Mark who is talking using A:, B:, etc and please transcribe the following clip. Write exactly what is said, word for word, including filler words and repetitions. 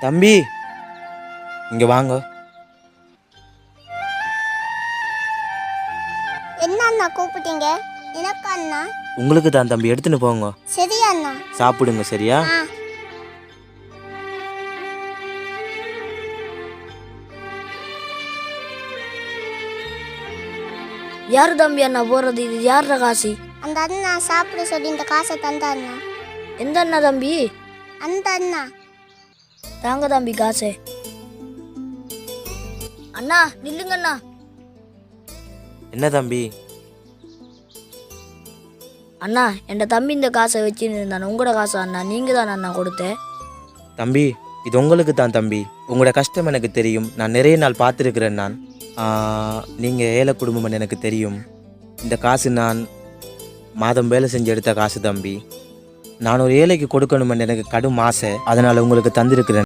A: தம்பி இங்க வாங்க.
B: என்ன அண்ணா கூப்பிட்டீங்க? எனக்கு அண்ணா.
A: உங்களுக்கு தான் தம்பி, எடுத்துன்னு போங்க.
B: சரி அண்ணா.
A: சாப்பிடுங்க சரியா?
B: ஆ.
C: யாரு தம்பி அண்ணா போறது? இது யார காசு?
B: அந்த அண்ணா சாப்பிட சொல்லி இந்த காசை தந்த அண்ணா.
C: எந்த அண்ணா தம்பி?
B: அந்த அண்ணா.
C: தாங்க தம்பி காசு. அண்ணா நில்லுங்க அண்ணா.
A: என்ன தம்பி?
C: அண்ணா என் தம்பி இந்த காசை வச்சுன்னு இருந்தான். உங்களோட காசு அண்ணா, நீங்க தான் அண்ணா கொடுத்தேன்.
A: தம்பி இது உங்களுக்கு தான் தம்பி. உங்களோட கஷ்டம் எனக்கு தெரியும். நான் நிறைய நாள் பார்த்துருக்கிறேன். நான் நீங்கள் ஏழை குடும்பம்னு எனக்கு தெரியும். இந்த காசு நான் மாதம் வேலை செஞ்சு எடுத்த காசு தம்பி. நான் ஒரு ஏழைக்கு கொடுக்கணுமென்னு எனக்கு கடும் ஆசை. அதனால் உங்களுக்கு தந்திருக்கிறேன்.